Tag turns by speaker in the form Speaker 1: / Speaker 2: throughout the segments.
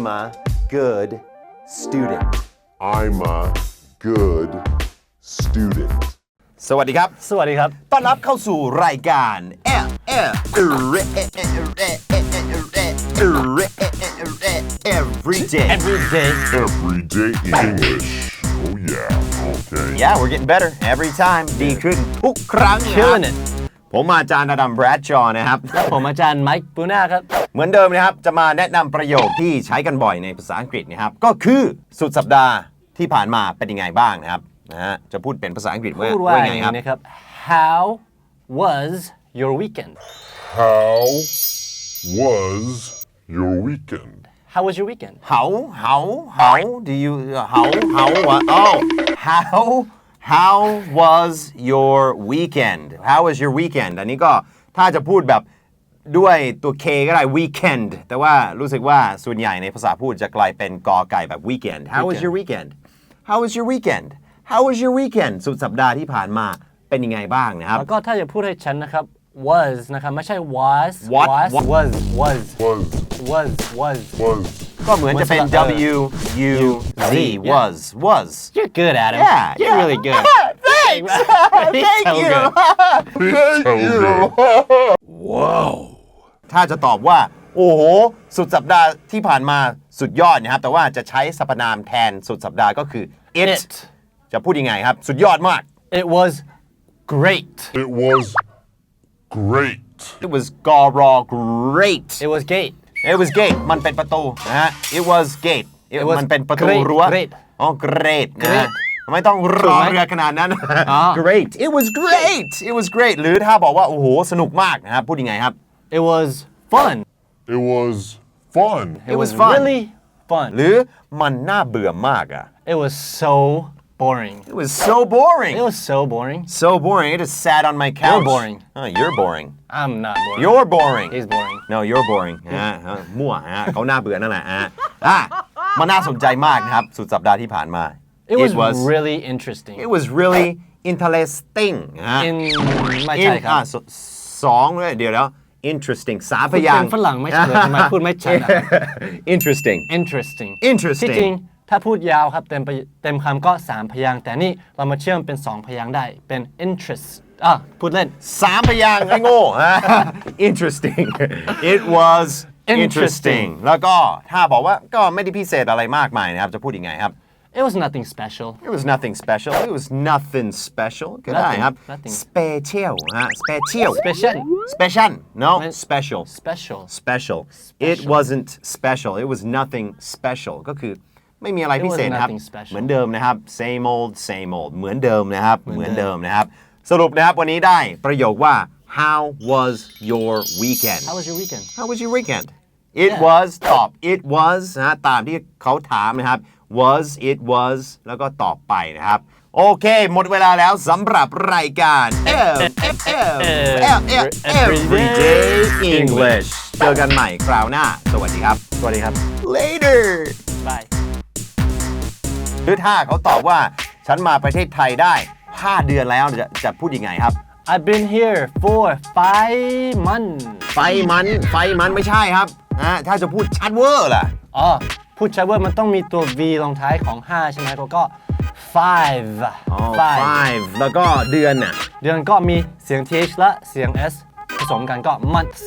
Speaker 1: I'm a good student
Speaker 2: I'm a good student
Speaker 1: สวัสดีครับ
Speaker 3: สวัสดีครับ
Speaker 1: ต้อนรับเข้าสู่รายการ Everyday
Speaker 3: everyday
Speaker 2: Everyday English Oh yeah okay
Speaker 1: Yeah we're getting better every time ดีขึ้นทุกครั้งนะครับ
Speaker 3: killing it
Speaker 1: ผมอาจารย์อดัมแบรดจอห์นะครับ
Speaker 3: ผมอาจารย์ไมค์ปูน่าครับ
Speaker 1: เหมือนเดิมนะครับจะมาแนะนำประโยคที่ใช้กันบ่อยในภาษาอังกฤษนะครับก็คือสุดสัปดาห์ที่ผ่านมาเป็นยังไงบ้างนะครับจะพูดเป็นภาษาอังกฤษว่า
Speaker 3: พูดว่า
Speaker 1: ไง
Speaker 3: อย่าง
Speaker 1: ครับ
Speaker 3: นี้นะครับ How was your weekend
Speaker 2: How was your weekend
Speaker 3: How was your weekend
Speaker 1: how do you what oh how was your weekend how was your weekend อันนี้ก็ถ้าจะพูดแบบด้วยตัว K ก็ได้ weekend แต่ว่ารู้สึกว่าส่วนใหญ่ในภาษาพูดจะกลายเป็นกอไก่แบบ weekend how was your weekend how was your weekend how was your weekend สุดสัปดาห์ที่ผ่านมาเป็นยังไงบ้างนะครับ
Speaker 3: แล้วก็ถ้าจะพูดให้ฉันนะครับ was นะครับไม่ใช่ was
Speaker 1: What?
Speaker 3: was
Speaker 2: was
Speaker 1: ก็เหมือนจะเป็น W U Z was
Speaker 3: You're good at it
Speaker 1: Yeah,
Speaker 3: You're
Speaker 1: yeah.
Speaker 3: really good
Speaker 1: Thanks
Speaker 3: Thank
Speaker 1: you
Speaker 2: Thank you
Speaker 1: ถ้าจะตอบว่าโอ้โหสุดสัปดาห์ที่ผ่านมาสุดยอดนะครับแต่ว่าจะใช้สรรพนามแทนสุดสัปดาห์ก็คือ it จะพูดยังไงครับสุดยอดมาก
Speaker 3: It was great
Speaker 2: It was great
Speaker 1: it was กรอ great
Speaker 3: It was gate
Speaker 1: it was gate มันเป็นประตูนะฮะ it was gate
Speaker 3: was
Speaker 1: มันเป็นประตู
Speaker 3: great
Speaker 1: รั้ว
Speaker 3: great
Speaker 1: อ๋อ great นะฮะไม่ต้องรอเรือขนาดนั้น great it was great หรือถ้าบอกว่าโอ้โหสนุกมากนะครับพูดยังไงครับ
Speaker 3: It was fun
Speaker 2: It was fun
Speaker 1: It was fun
Speaker 3: really fun
Speaker 1: หรือมันน่าเบื่อมากอะ
Speaker 3: It was so boring
Speaker 1: It was so boring
Speaker 3: It was so boring
Speaker 1: so boring I just sat on my couch
Speaker 3: You're boring
Speaker 1: you're boring
Speaker 3: I'm not boring
Speaker 1: you're boring
Speaker 3: He's boring
Speaker 1: no you're boring มั่วเขาน่าเบื่อนั่นแหละมันน่าสนใจมากนะครับสุดสัปดาห์ที่ผ่านมา
Speaker 3: It was really interesting
Speaker 1: it was really interesting
Speaker 3: in ไม่ใช่ครับ
Speaker 1: สองเลยเดี๋ยวแล้ว interesting สามพยางค์
Speaker 3: เป็นฝรั่งไม่ใช่เลยทำไมพูดไม่ชัดอ่ะ
Speaker 1: interesting
Speaker 3: interesting
Speaker 1: Interesting
Speaker 3: ที่จริงถ้าพูดยาวครับเต็มคำก็3พยางค์แต่นี่เรามาเชื่อมเป็น2พยางค์ได้เป็น interest พูดเล่น
Speaker 1: สามพยางค์ไอ้โง่ interesting it was interesting แล้วก็ถ้าบอกว่าก็ไม่ได้พิเศษอะไรมากมายนะครับจะพูดยังไงครับ
Speaker 3: It was nothing special
Speaker 1: It was nothing special it was nothing special ก็ได้ครับ
Speaker 3: Nothing
Speaker 1: special special no special it wasn't special it was nothing special ก็คือไม่มีอะไรพิเศษนะครับ
Speaker 3: It was nothing special
Speaker 1: เหมือนเดิมนะครับ same old เหมือนเดิมนะครับเหมือนเดิมนะครับสรุปนะครับวันนี้ได้ประโยคว่า How was your weekend
Speaker 3: How was your weekend
Speaker 1: How was your weekend It was ตอบ it was นะตามที่เขาถามนะครับ was it was แล้วก็ตอบไปนะครับโอเคหมดเวลาแล้วสำหรับรายการ Everyday English เจอกันใหม่คราวหน้าสวัสดีครับ
Speaker 3: สวัสดีครับ
Speaker 1: later
Speaker 3: Bye
Speaker 1: หรือถ้าเขาตอบว่าฉันมาประเทศไทยได้5 เดือนแล้วจะพูดยังไงครับ
Speaker 3: I've been here for 5 months
Speaker 1: ไฟมันไม่ใช่ครับถ้าจะพูดชัดเวอร์ล่ะ
Speaker 3: พูดชัดว่ามันต้องมีตัว V ลงท้ายของ5ใช่ไหมก็ five
Speaker 1: แล้วก็เดือนน่ะ
Speaker 3: เดือนก็มีเสียง th และเสียง s ผสมกันก็ months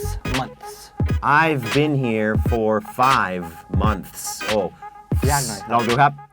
Speaker 1: I've been here for 5 months โอ้
Speaker 3: ยากหน่อย
Speaker 1: ลองดูครับ